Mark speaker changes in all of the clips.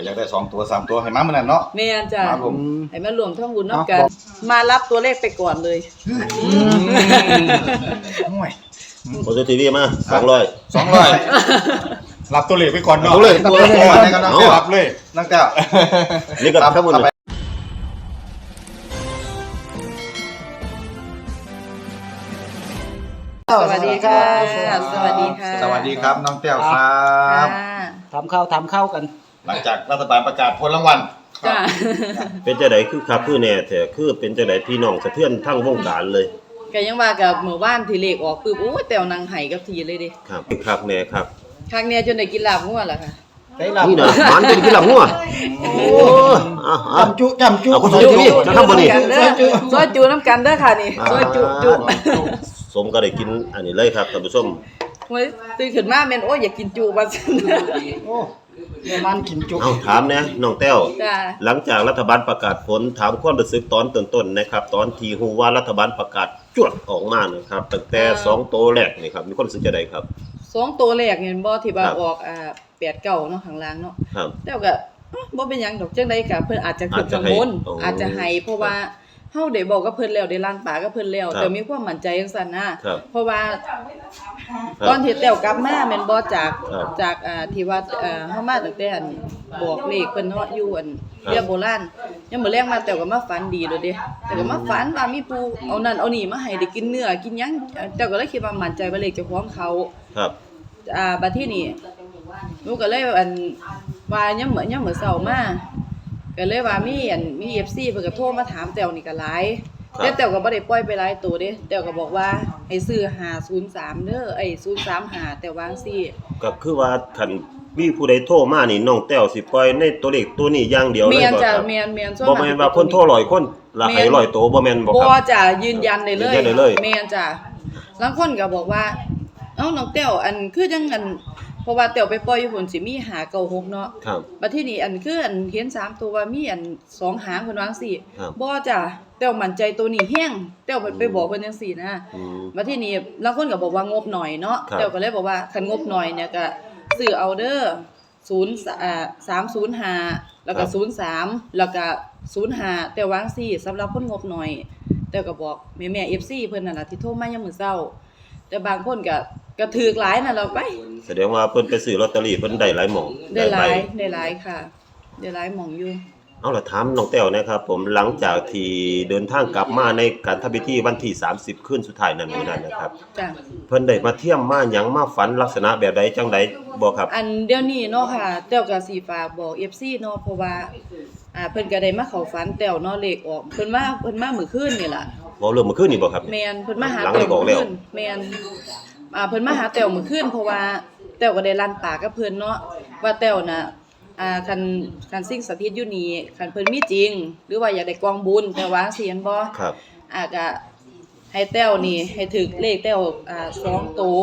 Speaker 1: อยากได้2ตัว3ตัวให้มามื้อนั้นเนาะ
Speaker 2: แม่นจ้ะ
Speaker 1: ครับผม
Speaker 2: ให้มารวมทั้งบุญนำกันมารับตัวเลขไปก่อนเลย
Speaker 1: ห่วย
Speaker 3: โอทีวีมา200
Speaker 1: รับตัวเลขไปก่อนเนาะ
Speaker 3: ตัวเลข
Speaker 1: ให้กำลังรับเลยนั่งแก้ว
Speaker 3: นี่ก็ครับผม
Speaker 2: สวัสดีค่ะสวัสดีค่ะ
Speaker 1: สวัสดีครับน้องแก้วครับ
Speaker 4: ทำข้าวกัน
Speaker 1: หลังจากรัฐบาลประกาศผลรางวัล
Speaker 2: จ้า
Speaker 3: เป็นจังได๋คือคักคือแน่แท้คือเป็นจังได๋พี่น้องสะเทือนทั้งวงการเลย
Speaker 2: ก็ยังว่ากับมื้อวานที่เลขออกปึ๊บโอ้ยแต้วนางไห้กับทีเลยเด้
Speaker 3: ครับคักแน่ครับ
Speaker 2: ครั้งเนี้ยจนได้กินลาบงัวล่ะค่ะ
Speaker 4: ได้ลาบ
Speaker 3: นี่น่ะมันเป็นกินลาบงัวโอ้
Speaker 4: จำจุ
Speaker 3: เอาคนทีวีจะทำบ่นี่
Speaker 2: ซอยจูน้ำกันเด้อค่ะนี่ซอยจุ
Speaker 3: สมก็ได้กินอันนี้เลยครับท่านผู้ชม
Speaker 2: โอ้ยตื่นขึ้นมาแม่นโอ้ยอยากกินจุว่าซั่น
Speaker 4: โอ้มันกินจุ
Speaker 3: เอาถามแน่น้องแต้ว
Speaker 2: จ้า
Speaker 3: หลังจากรัฐบาลประกาศผลถามความรู้สึกตอนต้นๆนะครับตอนที่ฮู้ว่ารัฐบาลประกาศจวดออกมานะครับตั้งแต่2ตัวแรกนี่ครับมีความรู้สึกจังได๋ครับ
Speaker 2: 2ตัวแรกเห็นบ่ที่ว่าออก8 9เนาะข้างล่างเนาะแล้วก็บ่เป็นหยังดอกจังได๋ก็เพิ่นอาจจะขึ้นข้างบนอาจจะให้เพราะว่าเฮาได้บอกกับเพิ่นแล้วได้ล้างปากกับเพิ่นแล้วแต่มีความมั่นใจจังซั่นนะเพราะว่าตอนที่แต้วกลับมาแม่นบ่จากที่ว่าเฮามาตั้งแต่อันบอกเลขเพิ่นเนาะอยู่อันเรียกโบราณยังมื้อแลงมาแต้วก็มาฝันดีโดดเด้แต่ก็มาฝันว่ามีผู้เอานั่นเอานี่มาให้ได้กินเนื้อกินหยังแต้วก็เลยคิดว่ามั่นใจว่าเลขเจ้าของเขา
Speaker 3: ครับ
Speaker 2: บัดทีนี้หนูก็เลยอันว่ายังมื้อเช้ามาก็เลยว่ามี FC เพิ่นก็โทรมาถามแต้วนี่ก็หลายแต่แต้วก็บ่ได้ปล่อยไปหลายตัวเด้แต้วก็บอกว่าให้ซื้อ503เด้อ035แต่วาจั่งซี้
Speaker 3: ก็คือว่าคันมีผู้ใดโทรมานี่น้องแต้วสิปล่อยในตัวเลขตัวนี้อย่างเดียวเลยบ่ครับ
Speaker 2: แม่นจ้ะแม่นๆ
Speaker 3: บ่แม่นว่าคนโทร100คนละให้100ตัวบ่แม่นบ่ครับ
Speaker 2: บ่จ้ะยืนยันได้เลยแม่นจ้ะบางคนก็บอกว่าเอ้าน้องแต้วอันคือจังอันเพราะว่าแต้วไปปล่อยอยู่พุ่นสิมี596เนาะ
Speaker 3: ครับ
Speaker 2: บัดทีนี้อันคืออันเห็น3ตัวว่ามีอัน2หางเพิ่นว่าจังซี่บ่จ้ะแต้วมั่นใจตัวนี้แฮงแต้วไปบอกเพิ่นจังซี่นะบัดทีนี้บางคนก็บอกว่างบหน่อยเนาะแต้วก็เลยบอกว่าคันงบหน่อยเนี่ยก็ซื้อเอาเด้อ305แล้วก็03แล้วก็05แต่วาจั่งซี่สำหรับคนงบหน่อยแต้วก็บอกแม่ FC เพิ่นนั่นน่ะที่โทรมายามมื้อเช้าแต่บางคนก็ถูกหลายนั่นล่ะไป
Speaker 3: แสดงว่าเพิ่นไปซื้อลอตเตอรี่เพิ่นได้หลายหม่อง
Speaker 2: ได้หลายค่ะได้หลายหม่องอยู่
Speaker 3: เอาล่ะถามน้องแต้วนะครับผมหลังจากที่เดินทางกลับมาในการทำพิธีวันที่30คืนสุดท้ายนั้นมื้อนั้นนะครับ
Speaker 2: จ้ะ
Speaker 3: เพิ่นได้มาเที่ยมมาหยังมาฝันลักษณะแบบใดจังได๋บ่ครับ
Speaker 2: อันเดี๋ยวนี้เนาะค่ะแต้วก็สิฝากบอก FC เนาะเพราะว่าเพิ่นก็ได้มาเข้าฝันแต้วเนาะเลขออกเพิ่นมามื้อคืนนี่ล่ะ
Speaker 3: บ่เริ่มมื้อคืนนี่บ่ครับ
Speaker 2: แม่นเพิ่นมาหาแต้วมื้อคืนแม่นเพิ่นมาหาแต้วมื้อคืนเพราะว่าแต้วก็ได้ลั่นปากกับเพิ่นเนาะว่าแต้วน่ะคันสิ่งสถิตอยู่นี่คันเพิ่นมีจริงหรือว่าอยากได้กองบุญแต่ว่าสิเห็นบ่
Speaker 3: ครับ
Speaker 2: ก็ให้แต้วนี่ให้ถึกเลขแต้ว2ตัว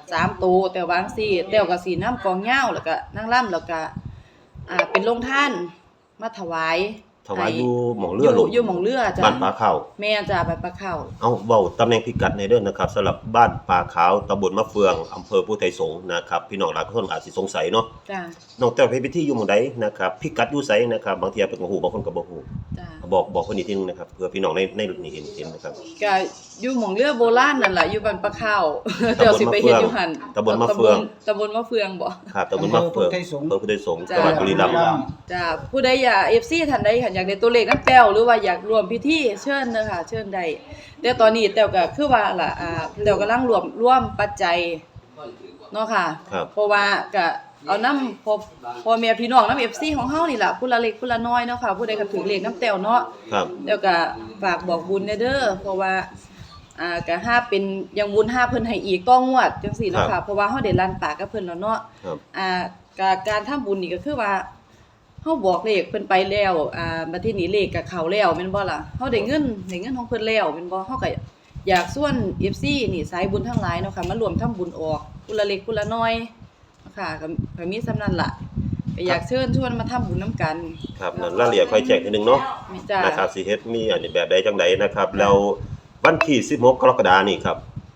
Speaker 2: 3ตัวแต่ว่าจังซี่แต้วก็สินำกองยาวแล้วก็นางร่ำแล้วก็เป็นโรงทานมาถวาย
Speaker 3: อยู่หม่องเรือ
Speaker 2: อยู่หม่องเรือจ้ะ
Speaker 3: บ้านปลาขาว
Speaker 2: แม่จ้ะบ้านปลาขาว
Speaker 3: เอาเว้าตำแหน่งพิกัดในเด้อนะครับสำหรับบ้านปลาขาวตำบลมะเฟืองอำเภอพุทธไทยสงฆ์นะครับพี่น้องหลายคนอาจสิสงสัยเนาะ
Speaker 2: จ้ะ
Speaker 3: น้องแต้วไปพิธีอยู่หม้องใดนะครับพิกัดอยู่ไสนะครับบางเที่ยเพิ่นก็ฮู้บางคนก็บ่ฮู้
Speaker 2: จ้ะ
Speaker 3: บอกเพิ่นอีกทีนึงนะครับเพื่อพี่น้องในนี่เห็นนะครับ
Speaker 2: ก็อยู่หม่องเรือโบราณนั่นล่ะอยู่บ้านปลาขาวเจ้าสิไปเฮ็ดอยู่หั่น
Speaker 3: ตำบลมะเฟือง
Speaker 2: บ่
Speaker 3: ครับตำบลมะเฟืองอำเภอพุทธไทยสงฆ์จังหวัดบุรีรัมย์
Speaker 2: จ้ะผู้ใดอยาก FC ท่านใดอยากได้ตัวเลขนำแต้วหรือว่าอยากร่วมพิธีเชิญเด้อค่ะเชิญได้แต่ตอนนี้แต้วก็คือว่าล่ะแต้วกำลังรวมปัจจัยเนาะค่ะเพราะว่าก็เอานำพ่อแม่พี่น้องนำ FC ของเฮานี่ล่ะผู้ละเล็กผู้ละน้อยเนาะค่ะผู้ใดก็ถือเลขนำแต้วเนาะแล้วก็ฝากบอกบุญเด้อเพราะว่าก็ถ้าเป็นยังบุญ5เพิ่นให้อีกต้องงวดจังซี่เนาะค่ะเพราะว่าเฮาได้ลั่นปากกับเพิ่นแล้วเนาะการทำบุญนี่ก็คือว่าเฮาบอกเลขเพิ่นไปแล้วบัดทีนี้เลขก็เข้าแล้วแม่นบ่ล่ะเฮาได้เงินของเพิ่นแล้วแม่นบ่เฮาก็อยากชวน FC นี่สายบุญทั้งหลายเนาะค่ะมารวมทำบุญออกผู้ละเล็กผู้ละน้อยเนาะค่ะก็มีส่ำนั้นล่ะก็อยากเชิญชวนมาทำบุญนำกัน
Speaker 3: ครับนั่นรายละเอียดค่อยแจ้งทีนึงเนาะนะครับสิเฮ็ดมีอันนี้แบบใดจังได๋นะครับแล้ววันที่16กรกฎาคมนี้ครับโท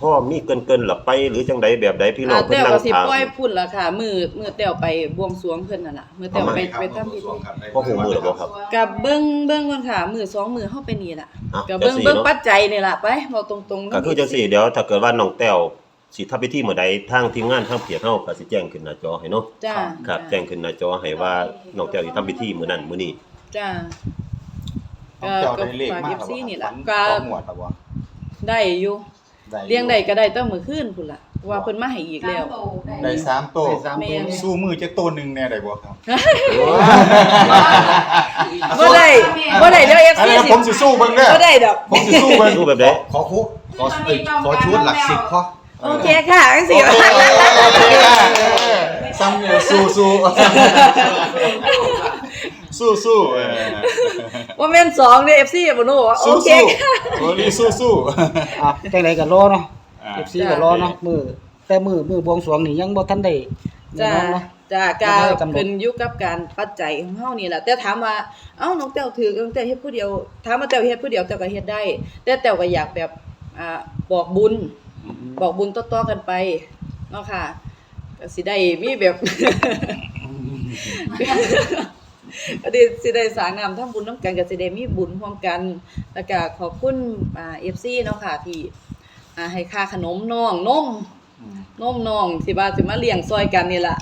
Speaker 3: พ่อมีเกินๆหรอไปหรือจังใดแบบใดพี่น้องเพิ่น
Speaker 2: แต้ว
Speaker 3: นั่ง
Speaker 2: ก็สิ
Speaker 3: ถาม
Speaker 2: ปล่อยพุ่นล่ะค่ะมือแต้วไปบวงสรวงเพิ่นนั่นล่ะมือแต้วไปทำพิธี
Speaker 3: พ่อหูมือหรือบ่ครับ
Speaker 2: กับเบิ่งก่อนค่ะมือ2มือเฮาไปนี่ล่ะ
Speaker 3: อ่ะ
Speaker 2: กับเบิ่ง
Speaker 3: จังสิ
Speaker 2: เบิ่ง
Speaker 3: เนาะ
Speaker 2: ปัจจัยนี่ล่ะไปเว้าตรงๆ
Speaker 3: ก็คือจังซี่เดี๋ยวถ้าเกิดว่าน้องแต้วสิทำพิธีมื้อใดทางทีมงานทางเพียรเฮาก็สิแจ้งขึ้นหน้าจอให้เนาะ
Speaker 2: จ้า
Speaker 3: ครับแจ้งขึ้นหน้าจอให้ว่าน้องแต้วสิทำพิธีมื้อนั้นมื้อนี้
Speaker 2: จ้า
Speaker 1: น้องแต้วได้เลข
Speaker 2: ฝาก
Speaker 1: มาก
Speaker 2: FC นี่ล่ะ
Speaker 1: ก็
Speaker 2: ก็
Speaker 1: หมวดแล้วบ่
Speaker 2: ได้อยู่
Speaker 1: ได้
Speaker 2: เลี้ยงได้ก็ได้ตั้งมื้อคืนพุ่นล่ะว่าเพิ่นมาให้อีกแล้ว
Speaker 1: ได้3โตว
Speaker 4: ได้สาม
Speaker 2: แม่
Speaker 4: ตัว
Speaker 1: สู้มือจักตัวหนึงแน่ได้บ่ครับ
Speaker 2: บ่ได้เดี๋ยว
Speaker 1: อัน
Speaker 2: FC
Speaker 1: นี้
Speaker 2: สิ
Speaker 1: ผมสิสู้เบิ่งเด้อ
Speaker 2: บ่ได้ดอก
Speaker 1: ผมสิสู้เบิ่ง
Speaker 3: รูปแบบใด
Speaker 1: ขอชุดหลัก10พอ
Speaker 2: โอเคค่ะจังซี่
Speaker 1: โอเคซ้ำเนี่ยสู้
Speaker 2: ว่าแม่น2เด้อ FC บ่รู้ว่าโอเคค่ะ
Speaker 1: โอ้นี่สู้
Speaker 4: อ่ะจังไดก็รอเนาะ
Speaker 1: ๆ
Speaker 4: FC ก็รอเนาะแต่มือบวงสรวงนี่ยังบ่ทันได้
Speaker 2: จ้า
Speaker 4: แน่นอนเนาะ
Speaker 2: จ้า
Speaker 4: แล้ว
Speaker 2: กา
Speaker 4: ก็กำหนด
Speaker 2: ขึ้นอยู่กับการปัจจัยของเฮานี่แหละแต่ถามว่าเอ้าน้องแต้วถือน้องแต้วเฮ็ดผู้เดียวถามว่าแต้วเฮ็ดผู้เดียวแต้วก็เฮ็ดได้ แต่แต้วก็อยากแบบบอกบุญต่อๆกันไปเนาะค่ะก็สิได้มีแบบ ก็สิได้สร้างงามทำบุญนํกันก็สิได้มีบุญร่วมกันแล้วก็ขอบคุณFC เนาะค่ะที่ให้ค่าขนมน้องนมน้องสิว่าสิมาเลี้ยงซอยกันนี่ล่ะ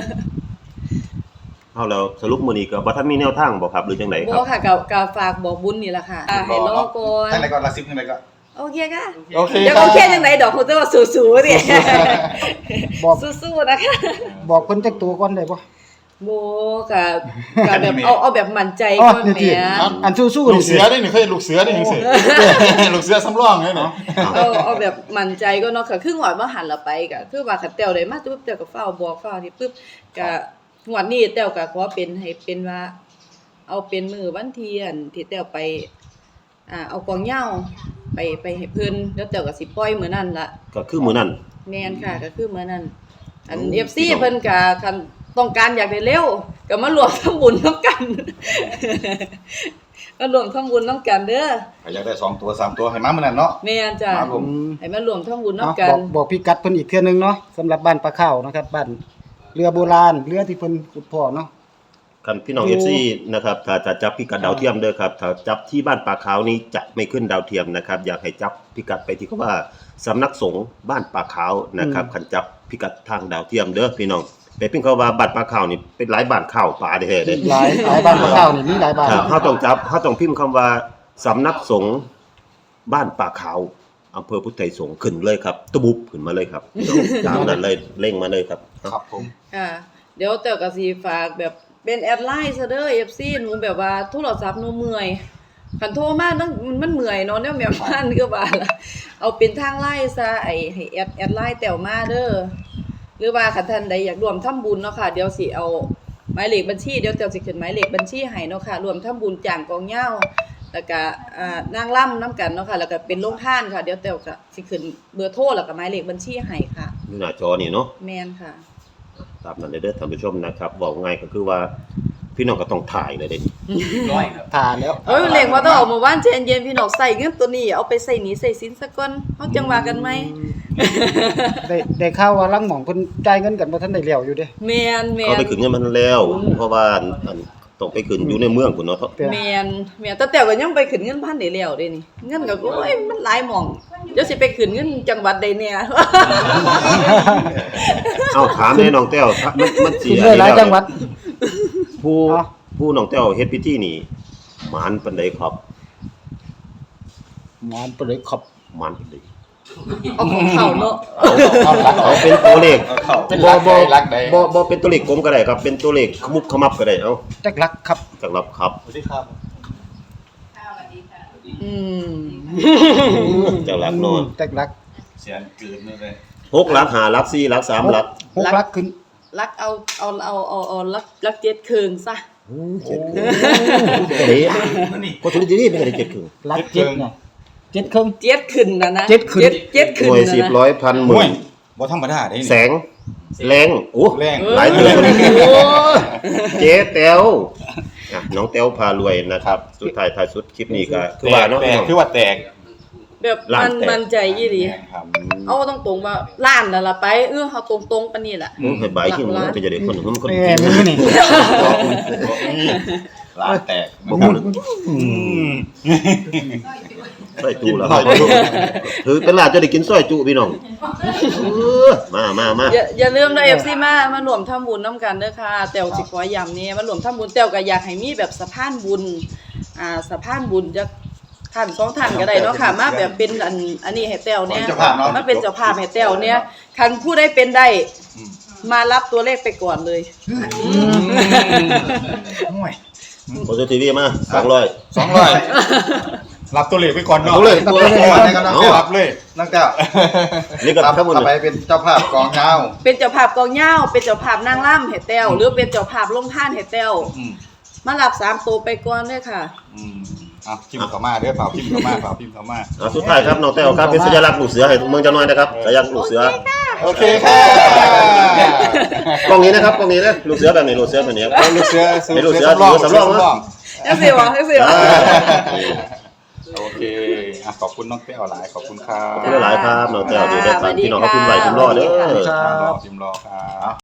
Speaker 3: เอาแล้วสรุปมื้อนี้ก็บ่ทันมีแนวทางบ่ครับหรือจังไดค
Speaker 2: บ่
Speaker 3: รับ
Speaker 2: ค่ะก็ฝากบอกบุญนี่ล่ะค่ะให้รอก่อน
Speaker 1: ทั้งไหนก่อนละ10ทั้งไหนก็
Speaker 2: โอเคค่ะ
Speaker 1: โอเค
Speaker 2: เดี๋ยว
Speaker 1: ครั
Speaker 2: โอบ เคจังไดดอกเขาจะว่าสู้ๆดิ
Speaker 4: บอก
Speaker 2: สู้ๆนะคะ
Speaker 4: บอกเพิ่นจักตัวก่อนได้บ่
Speaker 2: บ่ก็แบบเอาแบบมั่นใจ
Speaker 4: อ๋อ
Speaker 2: ก่อน
Speaker 4: นี่
Speaker 2: แห
Speaker 4: ติ
Speaker 2: ม
Speaker 4: อันสู้ๆ
Speaker 1: ลู
Speaker 4: นี่
Speaker 1: กเสือได้นี่เคยลูกเสือได้จังซี่ลูกเสือสำรองเลยเนาะ
Speaker 2: เอาแบบมั่นใจก็เนาะค่ะคือหวดบ่หันละไปก็คือว่าคันแต้วได้มาปุ๊บแต้วก็ฟ้าวบอกฟ้าวนี่ปุ๊บก็งวดนี้แต้วก็ขอเป็นให้เป็นว่า เอาเป็นมื้อวันที่อันที่แต้วไปเอากองเหย้าไปให้เพิ่นแล้วแต้วก็สิปล่อยมื้อนั้นล่ะ
Speaker 3: ก็คือมื้อนั้น
Speaker 2: แม่นค่ะก็คือมื้อนั้นอัน
Speaker 3: โอ้
Speaker 2: FC เพิ่นก็คันต้องการอยากได้เร็วก็มารวมทำบุญนำกัน มารวมทำบุญนำกันเด้อ
Speaker 1: อยากได้2ตัว3ตัวให้มามื้อนั้นเนาะ
Speaker 2: แม่นจ้ะ
Speaker 1: ครับผม
Speaker 2: ให้มารวมทำบุญ
Speaker 4: เนาะ
Speaker 2: นำกัน
Speaker 4: บอกพิกัดเพิ่นอีกเทื่อนึงเนาะสำหรับบ้านปลาข้าวนะครับบ้านเรือโบราณเรือที่เพิ่นขุดพ่อเนาะ
Speaker 3: คันพี่น้อง
Speaker 4: อยู่
Speaker 3: FC นะครับถ้าจะจับพิกัดดาวเทียมเด้อครับถ้าจับที่บ้านป่าขาวนี้จะไม่ขึ้นดาวเทียมนะครับอยากให้จับพิกัดไปที่เขาว่าสำนักสงฆ์บ้านป่าขาวนะครับคันจับพิกัดทางดาวเทียมเด้อพี่น้องไปเพิ่นเขาว่าบ้านป่าขาวนี่เป็นหลายบ้านข้าวป่าแท้ๆเด้
Speaker 4: หลายบ้านปลาข้าวนี่มีหลายบ้าน
Speaker 3: ครับเฮาต้องพิมพ์คำว่าสำนักสงฆ์บ้านป่าขาวอำเภอพุทธไทยสงฆ์ขึ้นเลยครับตะบุบขึ้นมาเลยครับตามนั้นเลยเร่งมาเลยครับ
Speaker 1: ครับผม
Speaker 2: ค่ะเดี๋ยวแต้วก็สิฝากแบบเป็นแอดไลน์ซะเด้อ FC หนูแบบว่าโทรศัพท์หนูเมื่อยคันโทรมามันเมื่อยเนาะแนวแม่บ้านคือว่าล่ะเอาเป็นทางไลน์ซะให้แอดไลน์แต้วมาเด้อหรือว่าคันท่านใดอยากร่วมทำบุญเนาะค่ะเดี๋ยวสิเอาหมายเลขบัญชีเดี๋ยวแต้วสิขึ้นหมายเลขบัญชีให้เนาะค่ะร่วมทำบุญจ้างกองเหย้าแล้วก็นางร่ำนํกันเนาะค่ะแล้วก็เป็นโรงทานค่ะเดี๋ยวแต้วก็สิขึ้นเบอร์โทรแล้วก็หมายเลขบัญชีให้ค่ะ
Speaker 3: อยู่หน้าจอนี่เนาะ
Speaker 2: แม่นค่ะ
Speaker 3: ตามนั้นเลยเด้อท่านผู้ชมนะครับบอกง่ายก็คือว่าพี่น้องก็ต้องถ่ายเลยเด้นี่
Speaker 4: ผ่านแล้ว
Speaker 2: เอ้ยเลขว่าต้องออกมาว่านเจนเย็นพี่น้องใส่เงินตัวนี้เอาไปใส่หนีใส่สินซะก่อนเฮาจังว่ากันไหม
Speaker 4: ได้ข่าวว่าลังหม่องเพิ่นจ่ายเงินกันบ่ทันได้แล้วอยู่เด้
Speaker 2: แม่น
Speaker 3: เขาไปขึ้นเงินมันแล้ว เพราะว่าอันต้องไปขึ้นอยู่ในเมืองพุ่นเนาะ
Speaker 2: แม่นแต่ก็ยังไปขึ้นเงินพันได้แล้วเด้นี่เงินก็โอ้ยมันหลายหม่องเดี๋ยวสิไปขึ้นเงินจังหวัดใดเนี่ย
Speaker 3: เอ้าถามแน่น้องแต้วมันสิ
Speaker 4: ขึ้นเลยหลายจังหวัด
Speaker 3: ผู้
Speaker 4: อ๋อ
Speaker 3: ผู้น้องแต้วเฮ็ดพิธีนี่หมานปานใดครับ
Speaker 4: หมอนเปเลยขับ
Speaker 3: หมานปานใด
Speaker 2: เอาของเขาเนาะ
Speaker 3: เอาเป็นตัวเลข
Speaker 1: เป็น
Speaker 3: บ่
Speaker 1: รักใด
Speaker 3: บ่เป็นตัวเลขกลมก็ได้ครับ เป็นตัวเลขขมุบขมับก็ได้เอ้า
Speaker 4: จักลักครับ
Speaker 3: จังรับครับ
Speaker 1: สวัสดีครับ
Speaker 2: อืม
Speaker 3: จังรับนอน
Speaker 4: จักลัก
Speaker 1: เสียงจืดนี่เลย
Speaker 3: 6หลัก5หลัก4หลัก3หลัก
Speaker 4: หกลักขึ้น
Speaker 2: รักเอารักเจ็ดคืนซะ
Speaker 3: เจ็ดครึ่งเด้ก็ทุกทีนี่เป็นได้เจ็ดครึ่ง
Speaker 4: ลักเจ็ดไงเจ็ดครึ่ง
Speaker 2: เจ็ดคืนนะ
Speaker 4: เจ็ดคืน
Speaker 2: เจ็ดคืน
Speaker 3: หน่วย
Speaker 2: นะ
Speaker 3: 10ร้อยพันห
Speaker 1: โอ้
Speaker 3: มื่
Speaker 1: ย
Speaker 3: น
Speaker 1: บ่ธรรมดาเด้
Speaker 3: แส
Speaker 1: นี่
Speaker 3: งแรงโอ้
Speaker 1: แรง
Speaker 3: หลายเดือนเจ๊แต้วน้องแต้วพารวยนะครับ สุดท้ายท้ายสุดคลิปนี้ก็คือว่าเนาะ
Speaker 1: แตกคือว่าแตก
Speaker 2: แบบ
Speaker 3: ล้านแตก
Speaker 2: มันใจอีหลี
Speaker 1: ครับ
Speaker 2: เอาตรงๆว่าล้านนั่นล่ะไปเฮาตรงๆปานนี้ล่ะ
Speaker 3: มึงให้ใบที่มึงเป็นจะได้คนมึงคน
Speaker 4: มือนี่
Speaker 1: ร้านแตก
Speaker 3: บ่พูดซอยจุแล้วถือเป็นลาบจะได้กินซอยจุพี่น้องมา
Speaker 2: อย่าลืมนะ FC มารวมทำบุญนํกันเด้อค่ะแต้วสิขอย้ำนี่มารวมทำบุญแต้วก็อยากให้มีแบบสะพานบุญสะพานบุญจักท่าน2ท่านก็ได้เนาะค่ะมาแบบเป็นอันนี้ให้แต้วเนี่ยมาเป็นเจ้าภาพให้แต้วเนี่ยคันผู้ใดเป็นได้มารับตัวเลขไปก่อนเลย
Speaker 1: ห่วย
Speaker 3: โอซีทีวีมา200
Speaker 1: 200รับตัวเลขไปก่อนเนาะ
Speaker 3: เอาเลย
Speaker 1: รับเลยรับเลย
Speaker 5: นักเต้า
Speaker 3: นี่ก็ทั้งหมด
Speaker 5: ต่อไปเป็นเจ้าภาพกองเงา
Speaker 2: เป็นเจ้าภาพกองเหย้าเป็นเจ้าภาพนางร่ำให้แต้วหรือเป็นเจ้าภาพลงท่านให้แต้วมารับ3ตัวไปก่อนเด้อค่ะ
Speaker 1: เอาพิมพ์เข้ามาเด้อเปล่าพิมพ์เข้ามา
Speaker 3: สุดท้ายครับน้องแต้วครับเป็นสัญลักษณ์ลูกเสือให้เมืองจังน้อยนะครับสัญลักษณ์ลูกเสือ
Speaker 1: โอเคค่ะ
Speaker 3: กล้องนี้นะครับกล้องนี้นะลูกเสือแบบนี้ลูกเสือแบบนี้ครับ
Speaker 1: ลูกเสือ
Speaker 3: เป็นลูกเสือสำรองนะ
Speaker 2: จังสิวะ
Speaker 1: โอเคขอบคุณน้องแต้วหลายขอบคุณครับ
Speaker 3: ขอบคุณหลายครับน้องแต้วเดี๋ยวได้ฟังพี่น้องเขาพิมพ์ไว้พิมพ์รอเด้อ
Speaker 1: พิมพ์รอครับ